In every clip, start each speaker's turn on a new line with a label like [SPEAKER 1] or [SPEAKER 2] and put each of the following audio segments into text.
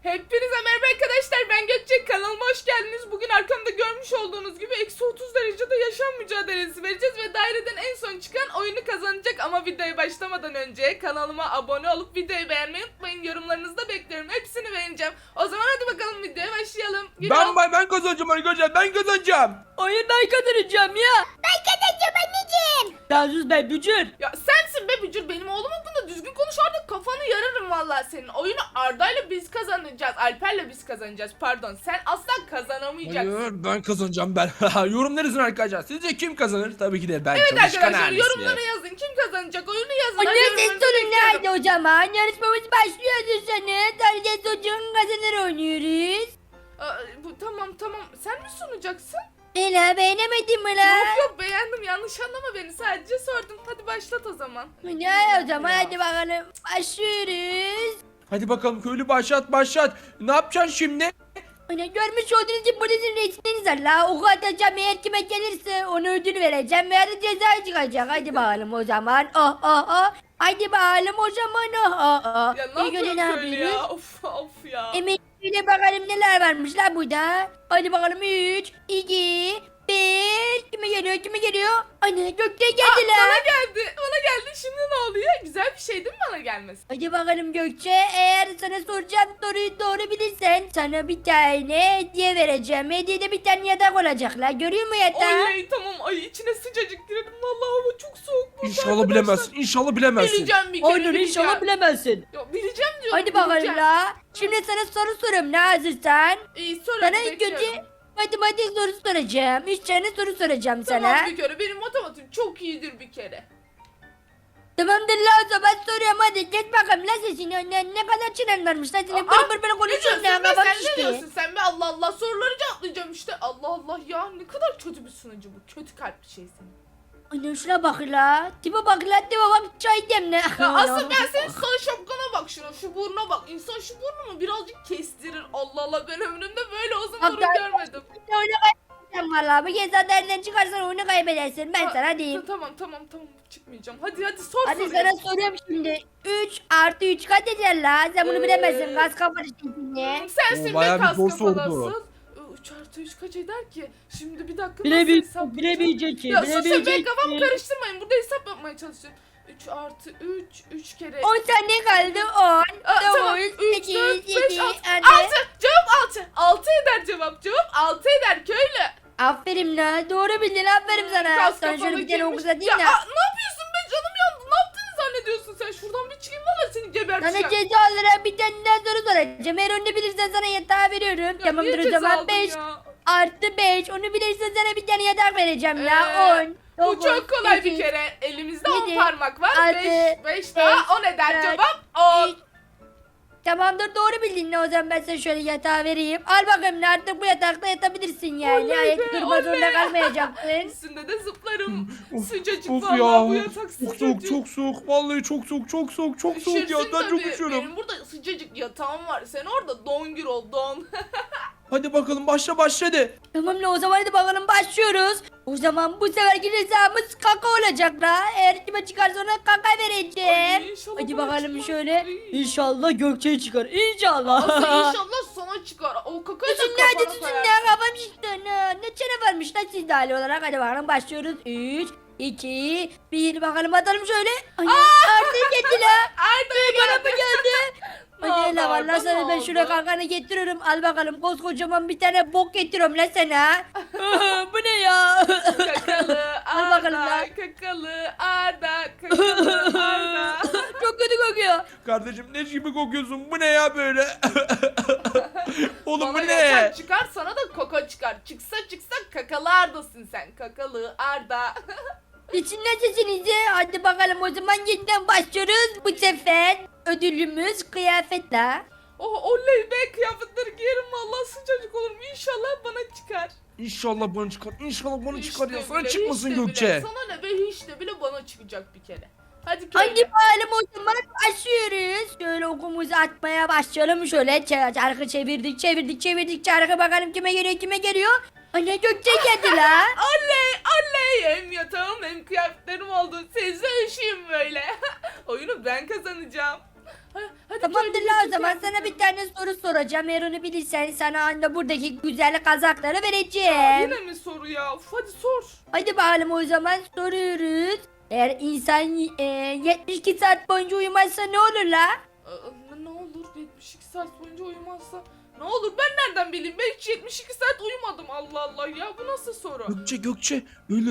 [SPEAKER 1] Hepinize merhaba arkadaşlar, ben Gökçe, kanalıma hoş geldiniz. Bugün arkamda görmüş olduğunuz gibi eksi 30 derecede yaşam mücadelesi vereceğiz ve daireden en son çıkan oyunu kazanacak. Ama videoya başlamadan önce kanalıma abone olup videoyu beğenmeyi unutmayın. Yorumlarınızı da bekliyorum, hepsini beğeneceğim. O zaman hadi bakalım, videoya başlayalım.
[SPEAKER 2] Ben kazanacağım arkadaşlar, ben kazanacağım.
[SPEAKER 3] Hayır, ben kazanacağım ya.
[SPEAKER 4] Ben kazanacağım anneciğim.
[SPEAKER 3] Sen sus be bücür.
[SPEAKER 1] Ya sensin be bücür, benim oğlum hakkında düzgün konuş, artık kafanı yararım vallahi senin. Oyunu Arda'yla biz kazanacağız, Alper'le biz kazanacağız, pardon. Sen asla kazanamayacaksın.
[SPEAKER 2] Hayır, ben kazanacağım ben. Yorumlar yazın arkadaşlar. Sizce kim kazanır? Tabii ki de ben.
[SPEAKER 1] Evet
[SPEAKER 2] Çalışkan
[SPEAKER 1] arkadaşlar,
[SPEAKER 2] ailesi.
[SPEAKER 1] yorumlara yazın, kim kazanacak, oyunu yazın. Hadi
[SPEAKER 4] Anne
[SPEAKER 1] yorumlarınızı
[SPEAKER 4] ses sorun
[SPEAKER 1] bekliyorum.
[SPEAKER 4] nerede o zaman? Yarışmamız başlıyor sanırım. Sadece çocuğun kazanır oynuyoruz.
[SPEAKER 1] Tamam, sen mi sunacaksın?
[SPEAKER 4] Ela beğenemedin mi la?
[SPEAKER 1] Yok beğendim, yanlış anlama beni, sadece sordum. Hadi başlat o zaman.
[SPEAKER 4] Ne o zaman hadi bakalım. Başlıyoruz.
[SPEAKER 2] Hadi bakalım köylü, başlat. Ne yapacaksın şimdi?
[SPEAKER 4] Anne görmüş olduğunuz gibi buradasın resimleriniz var la. Oku atacağım, eğer kime gelirse ona ödül vereceğim. Veya da ceza çıkacak. Hadi bakalım o zaman. Oh. Hadi bakalım o zaman. Oh.
[SPEAKER 1] Ya ne
[SPEAKER 4] İlk önce
[SPEAKER 1] yapıyorsun öyle ya? Of ya.
[SPEAKER 4] Şöyle bakalım neler varmış la burada. Hadi bakalım 3, 2, 1. Kime geliyor? Anne Gökçe geldi la.
[SPEAKER 1] Bana geldi, şimdi ne oluyor? Güzel bir şey değil mi bana gelmesi?
[SPEAKER 4] Hadi bakalım Gökçe, eğer sana soracağım soruyu doğru bilirsen sana bir tane hediye vereceğim. Hediyede bir tane yatak olacak la. Görüyor musun yatağı?
[SPEAKER 1] Oley, tamam, ay içine sıcacık girdim, vallahi hava çok soğuk burada
[SPEAKER 2] İnşallah
[SPEAKER 1] arkadaşlar.
[SPEAKER 2] bilemezsin. İnşallah bilemezsin.
[SPEAKER 1] Bileceğim bir kere,
[SPEAKER 3] Hayır, inşallah bilemezsin.
[SPEAKER 1] Ya, bileceğim diyorum.
[SPEAKER 4] Hadi bakalım
[SPEAKER 1] bileceğim.
[SPEAKER 4] la. Şimdi sana soru soruyorum ne hazırsan.
[SPEAKER 1] İyi, sor
[SPEAKER 4] Sana
[SPEAKER 1] hadi,
[SPEAKER 4] ilk
[SPEAKER 1] bekliyorum.
[SPEAKER 4] önce matematik sorusu soracağım. 3 tane soru soracağım sana.
[SPEAKER 1] Tamam bir kere, benim matematiğim çok iyidir bir kere.
[SPEAKER 4] Tamamdır la, o zaman soruyorum, hadi geç bakalım la sesini. Ne kadar çenen varmış la senin, bır
[SPEAKER 1] Ne
[SPEAKER 4] konuşuyorsun
[SPEAKER 1] diyorsun
[SPEAKER 4] ya,
[SPEAKER 1] be,
[SPEAKER 4] kafam
[SPEAKER 1] sen ne
[SPEAKER 4] şişti.
[SPEAKER 1] diyorsun sen be, Allah Allah, soruları cevaplayacağım işte. Allah Allah ya, ne kadar kötü bir sunucu bu, kötü kalpli şey senin.
[SPEAKER 4] Anne şuna bak la, tipe bak la, tipe bak, çay demle.
[SPEAKER 1] Ya asıl ben senin sarı şapkana bak, şuna, şu burnuna bak. İnsan şu burnunu birazcık kestirir. Allah Allah, ben ömrümde böyle uzun burun görmedim.
[SPEAKER 4] Oyunu kaybedersin valla, bu kez nereden çıkarsan oyunu kaybedersin, ben sana diyeyim.
[SPEAKER 1] Tamam, çıkmayacağım. Hadi sor
[SPEAKER 4] Hadi
[SPEAKER 1] soruyu.
[SPEAKER 4] sana soruyorum şimdi. 3 artı 3 kaç eder la? Sen bunu bilemezsin, gaz kafanı şimdi.
[SPEAKER 1] Sensin be,
[SPEAKER 2] Bayağı bir
[SPEAKER 1] kas
[SPEAKER 2] zor sordu.
[SPEAKER 1] kafalasın. 3 artı 3 kaç eder ki? Şimdi bir dakika, nasıl
[SPEAKER 3] Bilemeyecek, bilemeyecek ki,
[SPEAKER 1] Ya sus be,
[SPEAKER 3] bilemeyecek
[SPEAKER 1] kafamı
[SPEAKER 3] ki.
[SPEAKER 1] karıştırmayın. Burada hesap yapmaya çalışıyorum. 3 artı 3 kere...
[SPEAKER 4] 10 saniye kaldı, 10,
[SPEAKER 1] Tamam,
[SPEAKER 4] 9,
[SPEAKER 1] 3,
[SPEAKER 4] 8,
[SPEAKER 1] 4, 5,
[SPEAKER 4] 7,
[SPEAKER 1] 6.
[SPEAKER 4] hadi.
[SPEAKER 1] 6. Cevap 6. 6 eder cevap. Cevap 6 eder köylü.
[SPEAKER 4] Aferin la, doğru bildin, aferin sana.
[SPEAKER 1] Kas
[SPEAKER 4] Sana şöyle
[SPEAKER 1] kafalı
[SPEAKER 4] bir tane
[SPEAKER 1] kimmiş?
[SPEAKER 4] okuzatayım
[SPEAKER 1] Ya
[SPEAKER 4] da.
[SPEAKER 1] ne yapıyorsun be, canım yandı. Ne yaptığını zannediyorsun sen? Şuradan bir çıkayım, valla seni
[SPEAKER 4] Sana
[SPEAKER 1] geberteceğim.
[SPEAKER 4] ceza olarak bir tane daha soru soracağım. Eğer onu bilirsen sana yatağı veriyorum.
[SPEAKER 1] Ya
[SPEAKER 4] Tamamdır
[SPEAKER 1] niye
[SPEAKER 4] o zaman,
[SPEAKER 1] ceza aldın
[SPEAKER 4] 5
[SPEAKER 1] ya?
[SPEAKER 4] artı 5. Onu bilirsen sana bir tane yatak vereceğim la. 10,
[SPEAKER 1] Bu
[SPEAKER 4] 9,
[SPEAKER 1] çok kolay bir
[SPEAKER 4] 8,
[SPEAKER 1] kere. Elimizde 10
[SPEAKER 4] 7,
[SPEAKER 1] parmak var.
[SPEAKER 4] altı,
[SPEAKER 1] 5 daha 10 eder
[SPEAKER 4] dört,
[SPEAKER 1] cevap 10.
[SPEAKER 4] 3. Tamamdır, doğru bildin. O zaman ben sana şöyle yatağı vereyim. Al bakalım, artık bu yatakta yatabilirsin yani.
[SPEAKER 1] Oley
[SPEAKER 4] Ayak
[SPEAKER 1] be,
[SPEAKER 4] durma zorunda
[SPEAKER 1] oley.
[SPEAKER 4] kalmayacaksın.
[SPEAKER 1] Üstünde de zıplarım.
[SPEAKER 2] Of,
[SPEAKER 1] Sıcacık
[SPEAKER 2] Of
[SPEAKER 1] vallahi, bu
[SPEAKER 2] ya.
[SPEAKER 1] yatak
[SPEAKER 2] Çok
[SPEAKER 1] sıcacık.
[SPEAKER 2] soğuk, çok soğuk. Vallahi çok soğuk ya.
[SPEAKER 1] Üşürsün
[SPEAKER 2] Ben çok
[SPEAKER 1] tabii.
[SPEAKER 2] üşüyorum.
[SPEAKER 1] Benim burada sıcacık yatağım var. Sen orada don gir ol, don.
[SPEAKER 2] Hadi bakalım, başladı.
[SPEAKER 4] Tamam la, o zaman hadi bakalım başlıyoruz. O zaman bu seferki cezamız kaka olacak la. Eğer kime çıkarsa ona kaka vereceğim.
[SPEAKER 1] Ay, inşallah
[SPEAKER 4] Hadi
[SPEAKER 1] bana
[SPEAKER 4] bakalım
[SPEAKER 1] çıkmaz.
[SPEAKER 4] şöyle.
[SPEAKER 1] Ay.
[SPEAKER 3] İnşallah Gökçe çıkar. İnşallah.
[SPEAKER 1] Aslı inşallah sana çıkar. O kakayı da
[SPEAKER 4] Tutun hadi
[SPEAKER 1] kafana
[SPEAKER 4] tutun
[SPEAKER 1] koyarsın.
[SPEAKER 4] ya, kafam şişti. Ne çene varmış lan sizde hali olarak. Hadi bakalım başlıyoruz. 3, 2, 1 bakalım atalım şöyle. Ay, artık geldi la.
[SPEAKER 1] Arda'ya
[SPEAKER 4] Bana
[SPEAKER 1] geldi.
[SPEAKER 4] mı geldi?
[SPEAKER 1] Ne
[SPEAKER 4] Hadi
[SPEAKER 1] oldu
[SPEAKER 4] la,
[SPEAKER 1] Arda,
[SPEAKER 4] vallahi sana
[SPEAKER 1] ne
[SPEAKER 4] ben şuraya
[SPEAKER 1] oldu?
[SPEAKER 4] kankanı getiriyorum. Al bakalım, koskocaman bir tane bok getiriyorum la sana.
[SPEAKER 3] Bu ne ya?
[SPEAKER 1] Kakalı
[SPEAKER 4] Al bakalım
[SPEAKER 1] Arda,
[SPEAKER 4] lan.
[SPEAKER 1] kakalı Arda.
[SPEAKER 4] Çok kötü kokuyor.
[SPEAKER 2] Kardeşim, leş gibi kokuyorsun. Bu ne ya böyle? Oğlum
[SPEAKER 1] Bana
[SPEAKER 2] bu ne?
[SPEAKER 1] yatak çıkar, sana da kaka çıkar. Çıksa kakalı Arda'sın sen. Kakalı Arda.
[SPEAKER 4] İçinden sesinizi. Hadi bakalım o zaman yeniden başlıyoruz. Bu sefer ödülümüz kıyafet la.
[SPEAKER 1] Oh oley be, kıyafetleri giyerim vallahi, sıcacık olurum. İnşallah bana çıkar.
[SPEAKER 2] İnşallah bana çıkar. İnşallah bana çıkar ya.
[SPEAKER 1] İşte
[SPEAKER 2] Sana
[SPEAKER 1] bile,
[SPEAKER 2] çıkmasın
[SPEAKER 1] işte
[SPEAKER 2] Gökçe.
[SPEAKER 1] bile. Sana ne be, hiç de bile bana çıkacak bir kere. Hadi köylü.
[SPEAKER 4] Hadi bakalım o zaman başlıyoruz. Şöyle okumuzu atmaya başlayalım. Şöyle çarkı çevirdik. Çarkı bakalım kime geliyor. Anne Gökçe geldi la.
[SPEAKER 1] Oley hem yatağım hem kıyafetlerim oldu. Sizle üşüyüm böyle. Oyunu ben kazanacağım. Hadi
[SPEAKER 4] Tamamdır
[SPEAKER 1] köylü
[SPEAKER 4] la o
[SPEAKER 1] bütün
[SPEAKER 4] zaman sana
[SPEAKER 1] kıyafetleri.
[SPEAKER 4] bir tane soru soracağım. Eğer onu bilirsen sana anda buradaki güzel kazakları
[SPEAKER 1] Ya,
[SPEAKER 4] vereceğim.
[SPEAKER 1] yine mi soru ya? Uf, hadi sor.
[SPEAKER 4] Hadi bakalım o zaman soruyoruz. Eğer insan 72 saat boyunca uyumazsa ne olur la?
[SPEAKER 1] Ne olur 72 saat boyunca uyumazsa ne olur, ben nereden bileyim, ben hiç 72 saat uyumadım, Allah Allah ya, bu nasıl soru?
[SPEAKER 2] Gökçe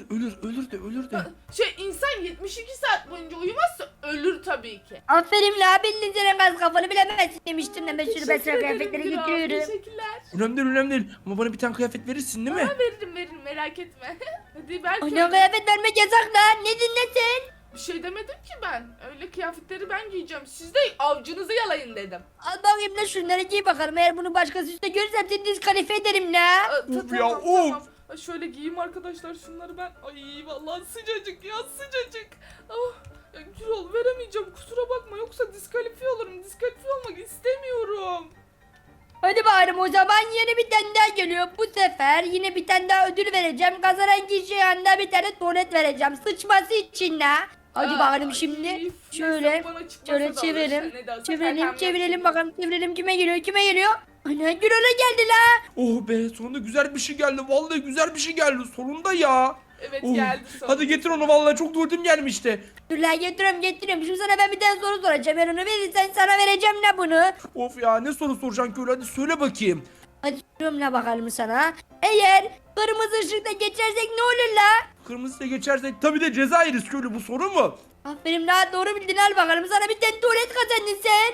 [SPEAKER 2] ölür de.
[SPEAKER 1] İnsan 72 saat boyunca uyumazsa ölür tabii ki.
[SPEAKER 4] Aferin la bildin senin gaz kafanı bilemezsin demiştim de ben şunu ben sana
[SPEAKER 1] Teşekkür
[SPEAKER 4] kıyafetleri
[SPEAKER 1] ederim kral,
[SPEAKER 4] getiriyorum.
[SPEAKER 1] teşekkürler.
[SPEAKER 2] Önemli değil ama bana bir tane kıyafet verirsin değil mi?
[SPEAKER 1] Veririm merak etme. Hadi belki
[SPEAKER 4] Ana kıyafet vermek yasak la. Ne dinlesin?
[SPEAKER 1] bir şey demedim ki ben. Öyle kıyafetleri ben giyeceğim. Siz de avcınızı yalayın dedim.
[SPEAKER 4] Al bakayım la şunları giy bakalım. Eğer bunu başkası üstte görürsem seni diskalifiye ederim la.
[SPEAKER 2] Uf ya, of.
[SPEAKER 1] Şöyle giyeyim arkadaşlar şunları ben. Ay vallahi sıcacık ya, sıcacık. Ah, ya Gürol, veremeyeceğim, kusura bakma, yoksa diskalifiye olurum. Diskalifiye olmak istemiyorum.
[SPEAKER 4] Hadi bakalım o zaman yeni bir tane daha geliyor. Bu sefer yine bir tane daha ödül vereceğim. Kazanan kişiye yanında bir tane tuvalet vereceğim. Sıçması için la. Hadi bakalım şimdi.
[SPEAKER 1] Üf,
[SPEAKER 4] Şöyle.
[SPEAKER 1] neyse, bana çıkmasa
[SPEAKER 4] Şöyle
[SPEAKER 1] da olur.
[SPEAKER 4] çevirelim.
[SPEAKER 1] Ne de olsa
[SPEAKER 4] Çevirelim
[SPEAKER 1] kakam
[SPEAKER 4] çevirelim
[SPEAKER 1] yok.
[SPEAKER 4] bakalım. Çevirelim kime geliyor kime geliyor. Ana Gürol'a geldi la.
[SPEAKER 2] Oh be, sonunda güzel bir şey geldi. Vallahi güzel bir şey geldi sonunda ya.
[SPEAKER 1] Evet,
[SPEAKER 2] Oh,
[SPEAKER 1] geldi sonra.
[SPEAKER 2] hadi getir onu, vallahi çok tuvaletim gelmişti.
[SPEAKER 4] Dur la getiriyorum. Şimdi sana ben bir tane soru soracağım. Ben onu verirsen sana vereceğim la bunu.
[SPEAKER 2] Of ya, ne soru soracaksın köylü, hadi söyle bakayım.
[SPEAKER 4] Hadi soruyorum la bakalım sana. Eğer kırmızı ışıkta geçersek ne olur la?
[SPEAKER 2] Kırmızıya geçersek tabii de ceza yeriz köylü, bu soru mu?
[SPEAKER 4] Aferin la doğru bildin al bakalım. Sana bir tane tuvalet kazandın sen.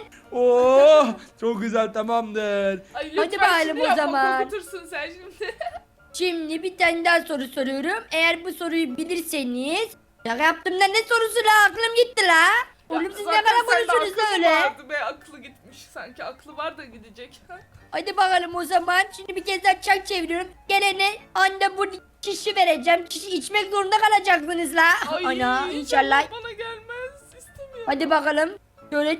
[SPEAKER 2] Oh, çok güzel, tamamdır.
[SPEAKER 1] Ay,
[SPEAKER 4] Hadi
[SPEAKER 1] lütfen
[SPEAKER 4] bakalım
[SPEAKER 1] şimdi
[SPEAKER 4] o
[SPEAKER 1] yapma,
[SPEAKER 4] zaman.
[SPEAKER 1] korkutursun sen şimdi.
[SPEAKER 4] Şimdi bir tane daha soru soruyorum. Eğer bu soruyu bilirseniz. Şaka yaptığımda ne sorusu la? Aklım gitti la. Oğlum siz ne
[SPEAKER 1] Zaten
[SPEAKER 4] kadar
[SPEAKER 1] sende
[SPEAKER 4] konuşuyorsunuz
[SPEAKER 1] aklı
[SPEAKER 4] öyle?
[SPEAKER 1] vardı be, aklı gitmiş sanki, aklı var da gidecek.
[SPEAKER 4] Hadi bakalım o zaman. Şimdi bir kez daha çak çeviriyorum. Gelene anda bu kişi vereceğim. Kişi içmek zorunda kalacaksınız la.
[SPEAKER 1] Ay,
[SPEAKER 4] Ana inşallah.
[SPEAKER 1] bana gelmez, istemiyorum.
[SPEAKER 4] Hadi bakalım. Şöyle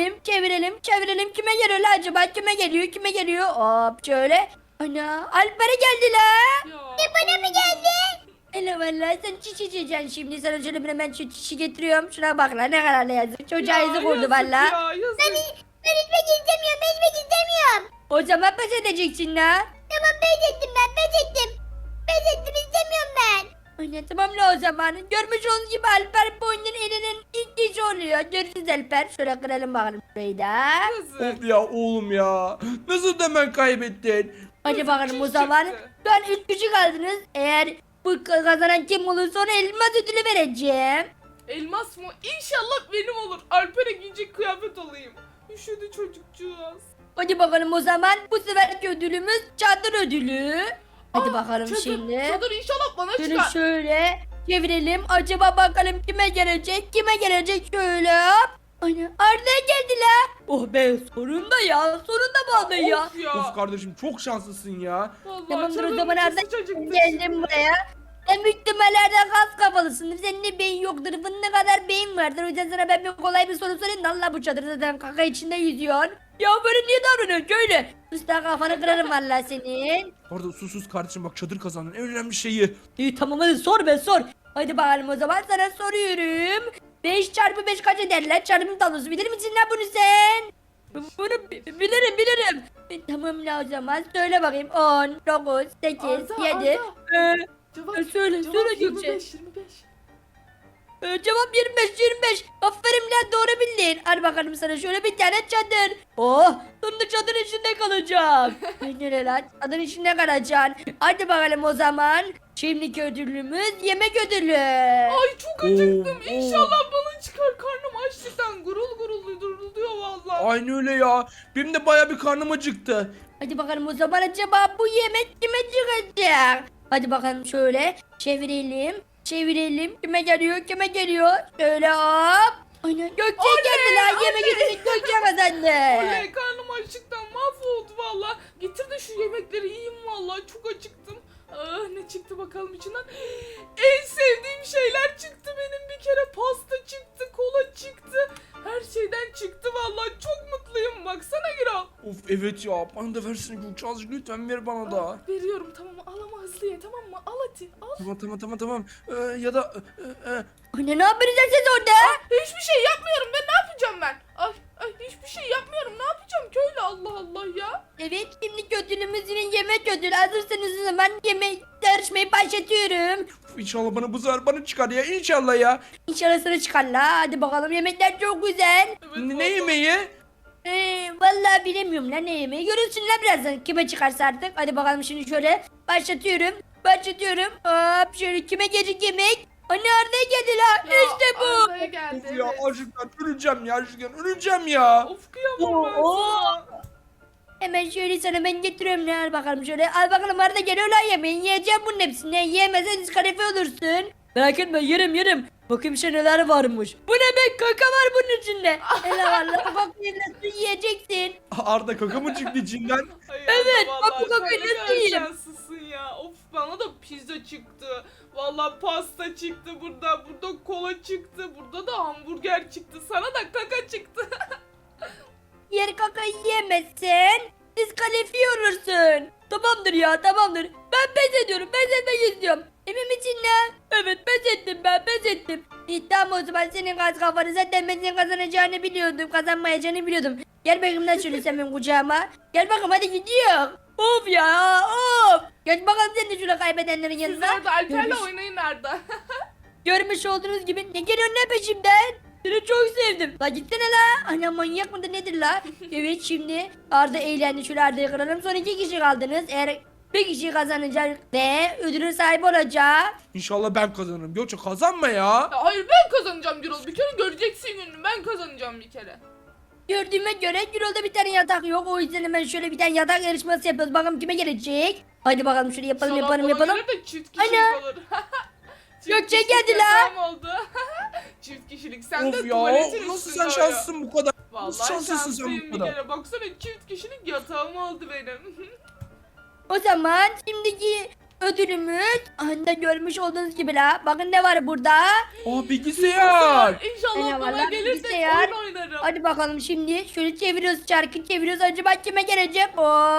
[SPEAKER 4] çevirelim. Kime geliyor la acaba? Kime geliyor? Hop şöyle. Ana Alper'e geldi la.
[SPEAKER 1] Ya,
[SPEAKER 4] Bana mı geldi? Hele vallahi sen çiş içeceksin şimdi. Sana şöyle bir hemen şu çişi getiriyorum. Şuna bak la ne kadar da yazık. Çocuğa yazık oldu
[SPEAKER 1] yazık
[SPEAKER 4] valla.
[SPEAKER 1] Ya, yazık.
[SPEAKER 4] Ben içmek istemiyorum. O zaman pes edeceksin la. Tamam pes ettim. Pes ettim istemiyorum ben. Anne tamam la o zaman. Görmüş olduğunuz gibi Alper bu oyunun elinin ilk kişi oluyor. Görüşürüz Alper. Şöyle kıralım bakalım şurayı da.
[SPEAKER 1] Yazık.
[SPEAKER 2] Of ya oğlum ya. Nasıl hemen kaybettin?
[SPEAKER 4] Hadi
[SPEAKER 1] Yazık,
[SPEAKER 4] bakalım o
[SPEAKER 1] çiş
[SPEAKER 4] zaman.
[SPEAKER 1] çıktı.
[SPEAKER 4] Şu an 3 kişi kaldınız. Eğer bu kazanan kim olursa ona elmas ödülü vereceğim.
[SPEAKER 1] Elmas mı? İnşallah benim olur. Alper'e giyecek kıyafet olayım. Üşüdü çocukcağız.
[SPEAKER 4] Hadi bakalım o zaman. Bu seferki ödülümüz çadır ödülü. Hadi bakalım
[SPEAKER 1] Çadır,
[SPEAKER 4] şimdi.
[SPEAKER 1] Çadır inşallah bana
[SPEAKER 4] Şöyle
[SPEAKER 1] çıkar.
[SPEAKER 4] şöyle çevirelim. Acaba bakalım kime gelecek? Şöyle hop. Ana Arda'ya geldi la. Oh be sonunda ya. Sonunda vallahi ya.
[SPEAKER 1] Of ya.
[SPEAKER 2] Of kardeşim, çok şanslısın ya.
[SPEAKER 1] Vallahi
[SPEAKER 4] Tamamdır o
[SPEAKER 1] canım
[SPEAKER 4] zaman
[SPEAKER 1] içi
[SPEAKER 4] Arda
[SPEAKER 1] sıcacıktı
[SPEAKER 4] geldim
[SPEAKER 1] şimdi.
[SPEAKER 4] buraya. Sen büyük ihtimallerden kas kafalısın. Senin de beyin yoktur. Fındık kadar beyin vardır. O yüzden sana ben bir kolay bir soru sorayım. da Allah bu çadır zaten kaka içinde yüzüyor. Ya böyle niye davranıyorsun öyle? Usta kafanı kırarım valla senin.
[SPEAKER 2] Orada sus kardeşim, bak çadır kazandın, en önemli şeyi.
[SPEAKER 4] İyi tamam hadi sor be sor. Hadi bakalım o zaman sana soruyorum. 5 çarpı 5 kaç eder lan? Çarpım tablosu bilir misin lan bunu sen? Bunu bilirim. Tamam la o zaman söyle bakayım. 10, 9, 8,
[SPEAKER 1] Arda,
[SPEAKER 4] 7.
[SPEAKER 1] Cevap,
[SPEAKER 4] Söyle
[SPEAKER 1] cevap
[SPEAKER 4] söyle Gökçe.
[SPEAKER 1] 25, 25.
[SPEAKER 4] Cevap 25. Aferin lan doğru bildin. Hadi bakalım sana şöyle bir tane çadır. Oh sonunda çadır içinde kalacağım. Nereye lan çadır içinde kalacaksın. Hadi bakalım o zaman. Şimdiki ödülümüz yemek ödülü.
[SPEAKER 1] Ay çok acıktım.
[SPEAKER 2] Oo,
[SPEAKER 1] İnşallah bana çıkar. Karnım açlıktan gurul guruluyor vallahi.
[SPEAKER 2] Aynı öyle ya. Benim de baya bir karnım acıktı.
[SPEAKER 4] Hadi bakalım o zaman acaba bu yemek kime çıkacak? Hadi bakalım şöyle çevirelim. Kime geliyor? Şöyle hop. Aynen Gökçe geldi lan yemek ödülü Gökçe kazandı.
[SPEAKER 1] Oley, karnım açlıktan mahvoldu valla. Getir de şu yemekleri yiyeyim valla. Çok acıktım. Ah, ne çıktı bakalım içinden. En sevdiğim şeyler çıktı benim bir kere. Pasta çıktı, kola çıktı. Her şeyden çıktı valla. Çok mutluyum, baksana Gürol.
[SPEAKER 2] Of evet ya bana da versene Gökçe azıcık lütfen ver bana da.
[SPEAKER 1] Veriyorum tamam mı? Al ama hızlı ye tamam mı? Al hadi al.
[SPEAKER 2] Tamam. Ya da
[SPEAKER 4] Anne ne yapıyorsunuz siz orada?
[SPEAKER 1] Hiçbir şey yapmıyorum ben ne yapacağım ben? Ay hiçbir şey yapmıyorum ne yapacağım köylü Allah Allah ya.
[SPEAKER 4] Evet şimdi ödülümüz yine yemek ödülü. Hazırsanız o zaman yemek yarışmayı başlatıyorum.
[SPEAKER 2] inşallah bana bu sefer bana çıkar ya inşallah ya.
[SPEAKER 4] İnşallah sana çıkar la. Hadi bakalım yemekler çok güzel.
[SPEAKER 1] Evet,
[SPEAKER 2] Ne
[SPEAKER 1] vallahi.
[SPEAKER 2] yemeği?
[SPEAKER 4] Vallahi bilemiyorum lan ne yemeği. Görürsün lan birazdan kime çıkarsa artık. Hadi bakalım şimdi şöyle başlatıyorum. Hop şöyle kime gelecek yemek? Anne Arda'ya geldi la.
[SPEAKER 1] Ya,
[SPEAKER 4] İşte bu.
[SPEAKER 1] Arda'ya geldi
[SPEAKER 2] Of ya
[SPEAKER 1] evet.
[SPEAKER 2] açlıktan öleceğim ya.
[SPEAKER 1] Of kıyamam ben sana.
[SPEAKER 4] Hemen şöyle sana ben getiriyorum ne al bakalım şöyle. Al bakalım Arda geliyor lan yemeği. Yiyeceğim bunun hepsini. Yiyemezsen diskalifiye olursun.
[SPEAKER 3] Merak etme yerim. Bakayım işte neler varmış. Bu ne be kaka var bunun içinde.
[SPEAKER 4] Hele valla kakayı nasıl yiyeceksin?
[SPEAKER 2] Arda kaka mı çıktı içinden?
[SPEAKER 1] Ay
[SPEAKER 3] Evet,
[SPEAKER 1] Arda,
[SPEAKER 3] bak bu
[SPEAKER 1] vallahi
[SPEAKER 3] kakayı
[SPEAKER 1] sen ne
[SPEAKER 3] nasıl
[SPEAKER 1] kadar
[SPEAKER 3] yiyeyim?
[SPEAKER 1] şanslısın ya. Of bana da pizza çıktı. Vallahi pasta çıktı burada kola çıktı. Burada da hamburger çıktı. Sana da kaka çıktı.
[SPEAKER 4] Yer kakayı yiyemezsen diskalifiye olursun.
[SPEAKER 3] Tamamdır ya tamamdır. Ben pes ediyorum. Pes etmek istiyorum.
[SPEAKER 4] Emin misin lan?
[SPEAKER 3] Evet pes ettim ben pes ettim.
[SPEAKER 4] İyi tamam o zaman senin gaz kafanı zaten ben senin kazanacağını biliyordum. Kazanmayacağını biliyordum. Gel bakayım lan şöyle sen benim kucağıma. Gel bakalım hadi gidiyor.
[SPEAKER 3] Of ya of.
[SPEAKER 4] Gel bakalım sen de şöyle kaybedenlerin
[SPEAKER 1] Siz
[SPEAKER 4] yanına.
[SPEAKER 1] orada Alper'le
[SPEAKER 4] Görmüş-
[SPEAKER 1] oynayın Arda.
[SPEAKER 4] Görmüş olduğunuz gibi ne geliyor ne peşimden?
[SPEAKER 3] Seni çok sevdim.
[SPEAKER 4] La gitsene la. Ana manyak mıdır nedir la? Evet şimdi Arda eğlendi. Şöyle Arda'yı kıralım. Son 2 kişi kaldınız. Eğer bir kişi kazanacak ve ödülün sahibi olacak.
[SPEAKER 2] İnşallah ben kazanırım. Gökçe kazanma ya.
[SPEAKER 1] Ya hayır ben kazanacağım Gürol. Bir kere göreceksin gününü. Ben kazanacağım bir kere.
[SPEAKER 4] Gördüğüme göre Gürol'da bir tane yatak yok. O yüzden hemen şöyle bir tane yatak yarışması yapıyoruz. Bakalım kime gelecek. Hadi bakalım şöyle yapalım
[SPEAKER 1] İnşallah bana
[SPEAKER 4] yapalım.
[SPEAKER 1] gelir de çift kişilik
[SPEAKER 4] Ana.
[SPEAKER 1] olur. Çift
[SPEAKER 4] Gökçe
[SPEAKER 1] kişilik
[SPEAKER 4] geldi la.
[SPEAKER 1] yatağım oldu. Çift kişilik. Sen
[SPEAKER 2] Of
[SPEAKER 1] de
[SPEAKER 2] ya
[SPEAKER 1] tuvaletin
[SPEAKER 2] nasıl
[SPEAKER 1] üstünde
[SPEAKER 2] sen
[SPEAKER 1] uyu.
[SPEAKER 2] şanslısın bu kadar? Nasıl
[SPEAKER 1] Vallahi
[SPEAKER 2] şanslısın sen
[SPEAKER 1] şanslıyım
[SPEAKER 2] bu
[SPEAKER 1] bir
[SPEAKER 2] kadar?
[SPEAKER 1] kere. Baksana çift kişilik yatağım oldu benim.
[SPEAKER 4] O zaman şimdiki ödülümüz anda görmüş olduğunuz gibi la. Bakın ne var burada.
[SPEAKER 2] Aa bilgisayar.
[SPEAKER 1] İnşallah
[SPEAKER 4] Ana
[SPEAKER 1] bana
[SPEAKER 4] vallahi
[SPEAKER 1] gelir de
[SPEAKER 4] bilgisayar.
[SPEAKER 1] oyun oynarım.
[SPEAKER 4] Hadi bakalım şimdi şöyle çeviriyoruz çarkı çeviriyoruz. Acaba kime gelecek?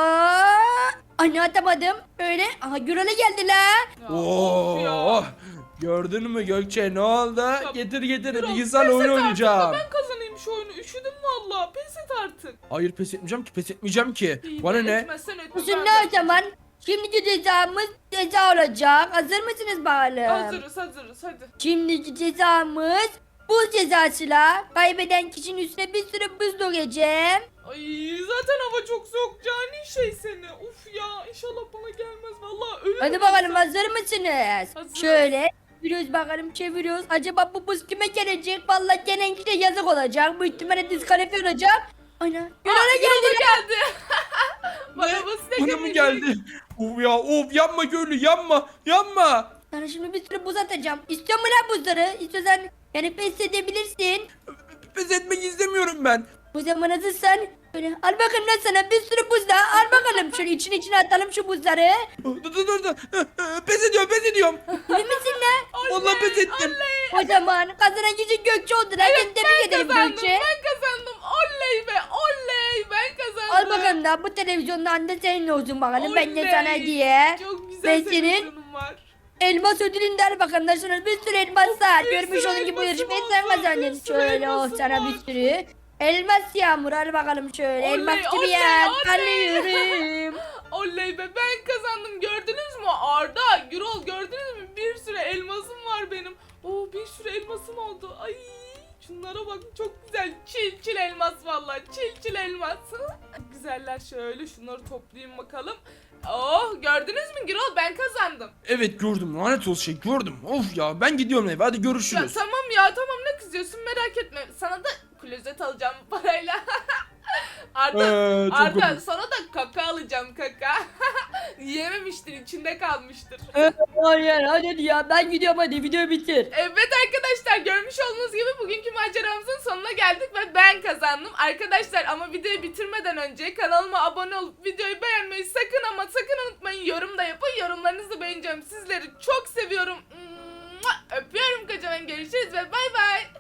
[SPEAKER 4] Anne atamadım. Öyle. Aha Gürol'a geldi la.
[SPEAKER 1] Ya, of ya.
[SPEAKER 2] Oo. Gördün mü Gökçe ne oldu? Getir
[SPEAKER 1] Gürol,
[SPEAKER 2] bilgisayar
[SPEAKER 1] pes et
[SPEAKER 2] oyun
[SPEAKER 1] artık da
[SPEAKER 2] oynayacağım.
[SPEAKER 1] Ben kazanayım şu oyunu. Üşüdüm valla. Pes et artık.
[SPEAKER 2] Hayır pes etmeyeceğim ki.
[SPEAKER 1] İyi,
[SPEAKER 2] Bana ne?
[SPEAKER 1] etmezsen etme,
[SPEAKER 4] Şimdi
[SPEAKER 1] ben de
[SPEAKER 4] o zaman şimdiki cezamız ceza olacak. Hazır mısınız bakalım?
[SPEAKER 1] Hazırız hadi.
[SPEAKER 4] Şimdiki cezamız buz cezasıyla kaybeden kişinin üstüne bir sürü buz dökeceğim.
[SPEAKER 1] Ay zaten hava çok soğuk cani şey seni. Uf ya inşallah bana gelmez valla ölürüm.
[SPEAKER 4] Hadi bakalım hazır mısınız?
[SPEAKER 1] Hazırız.
[SPEAKER 4] Şöyle çeviriyoruz bakalım çeviriyoruz. Acaba bu buz kime gelecek? Vallahi gelen kişiye yazık olacak. Bu ihtimalle diskalifiye olacak. Ana Gürol'a geldi.
[SPEAKER 1] geldi. Bana basit
[SPEAKER 2] Bana mı geldi? Of yanma köylü yanma.
[SPEAKER 4] Sana şimdi bir sürü buz atacağım. İstiyor mu lan buzları? İstiyorsan yani pes edebilirsin.
[SPEAKER 2] Pes etmek istemiyorum ben.
[SPEAKER 4] Bu zaman hazırsan böyle al bakalım lan sana bir sürü buz daha. Al bakalım şöyle içine atalım şu buzları.
[SPEAKER 2] Dur. Pes ediyorum.
[SPEAKER 4] Emin misin lan?
[SPEAKER 2] Vallahi pes ettim.
[SPEAKER 4] O zaman kazanan kişi Gökçe oldu lan. Ben tebrik ederim Gökçe.
[SPEAKER 1] Ben kazandım. Oley be oley. Ben kazandım.
[SPEAKER 4] Al bakalım da bu televizyondan da senin olsun bakalım. Ben de
[SPEAKER 1] Oley.
[SPEAKER 4] sana diye.
[SPEAKER 1] Çok güzel
[SPEAKER 4] Ben
[SPEAKER 1] televizyonum var.
[SPEAKER 4] Elmas ödülünü de al bakalım da sana bir sürü elmaslar.
[SPEAKER 1] bir
[SPEAKER 4] Görmüş
[SPEAKER 1] sürü
[SPEAKER 4] olduğun gibi bu
[SPEAKER 1] elmasım
[SPEAKER 4] yarışmayı sen
[SPEAKER 1] oldu,
[SPEAKER 4] kazandın.
[SPEAKER 1] bir sürü
[SPEAKER 4] Şöyle oh
[SPEAKER 1] elmasım
[SPEAKER 4] sana
[SPEAKER 1] var.
[SPEAKER 4] bir sürü. Elmas yağmur al bakalım şöyle.
[SPEAKER 1] Oley,
[SPEAKER 4] Elmas gibi
[SPEAKER 1] oley,
[SPEAKER 4] ya.
[SPEAKER 1] oley.
[SPEAKER 4] Kalıyorum.
[SPEAKER 1] Oley be ben kazandım gördünüz mü Arda Gürol gördünüz mü bir sürü elmasım var benim. Oo bir sürü elmasım oldu. Ay şunlara bak çok güzel çil elmas vallahi çil elmas. Güzeller şöyle şunları toplayayım bakalım. Oh gördünüz mü Gürol ben kazandım.
[SPEAKER 2] Evet gördüm lanet olsun gördüm. Of ya ben gidiyorum eve hadi
[SPEAKER 1] Ya
[SPEAKER 2] görüşürüz.
[SPEAKER 1] tamam ne kızıyorsun merak etme sana da klozet alacağım bu parayla. Arda,
[SPEAKER 2] Çok
[SPEAKER 1] Arda
[SPEAKER 2] komik.
[SPEAKER 1] sana da kaka alacağım kaka. Yiyememiştir içinde kalmıştır.
[SPEAKER 3] Hayır hadi ya ben gidiyorum hadi videoyu bitir.
[SPEAKER 1] Evet arkadaşlar görmüş olduğunuz gibi bugünkü maceramızın sonuna geldik ve ben kazandım. Arkadaşlar ama videoyu bitirmeden önce kanalıma abone olup videoyu beğenmeyi sakın unutmayın. Yorum da yapın. Yorumlarınızı beğeneceğim. Sizleri çok seviyorum. Öpüyorum kocaman. Görüşürüz ve bay bay.